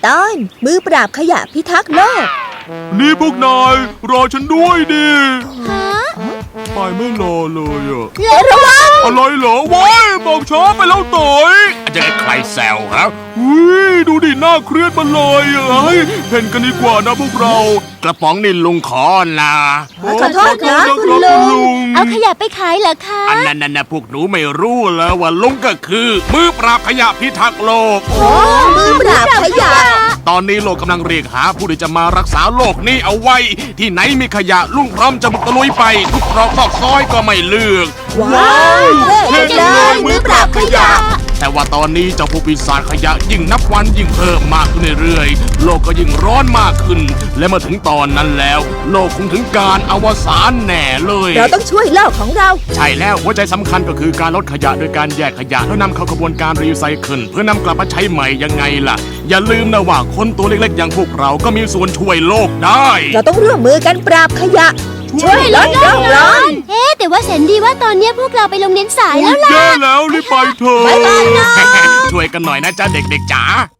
ตอนมือปราบขยะพิทักษ์โลกนี่พวกนายรอฉันด้วยดิฮะไปไม่รอเลยอะระวังอะไรเหรอว้ายบอกช้าไปแล้วเต๋ยจะให้ใครแซวครับดูดิหน้าเครียดมาเลยอะเฮ้ยเพ่นกันดีกว่านะพวกเรากระป๋องนี่ลุงขอนะขอโทษนะคุณลุงเอาขยะไปขายเหรอคะอันนั้นนะพวกหนูไม่รู้แล้วว่าลุงก็คือ มือปราบขยะพิทักษ์โลกโอ้มือปราบขยะตอนนี้โลกกำลังเรียกหาผู้ที่จะมารักษาโลกนี้เอาไว้ ที่ไหนมีขยะลุงพร้อมจะบุกตะลุยไป ทุกตรอกซอกซอยก็ไม่เลือกว้าวเท่จังเลยมือปราบขยะแต่ว่าตอนนี้เจ้าพวกปีศาจขยะยิ่งนับวันยิ่งเพิ่มมากขึ้นเรื่อยๆโลกก็ยิ่งร้อนมากขึ้น และเมื่อถึงตอนนั้นแล้ว โลกคงถึงการอวสานแน่เลยเราต้องช่วยโลกของเราใช่แล้วหัวใจสำคัญก็คือการลดขยะโดยการแยกขยะแล้วนำเข้ากระบวนการรีไซเคิลเพื่อนำกลับมาใช้ใหม่ยังไงล่ะ อย่าลืมนะว่าคนตัวเล็กๆอย่างพวกเราก็มีส่วนช่วยโลกได้เราต้องร่วมมือกันปราบขยะ ช่วยลดโลกร้อนแต่ว่าแสนดีว่าตอนเนี้ยพวกเราไปโรงเรียนสายแล้วล่ะแย่แล้วรีบไปเถอะบ๊ายบายนะช่วยกันหน่อยนะจ๊ะเด็กๆจ๋า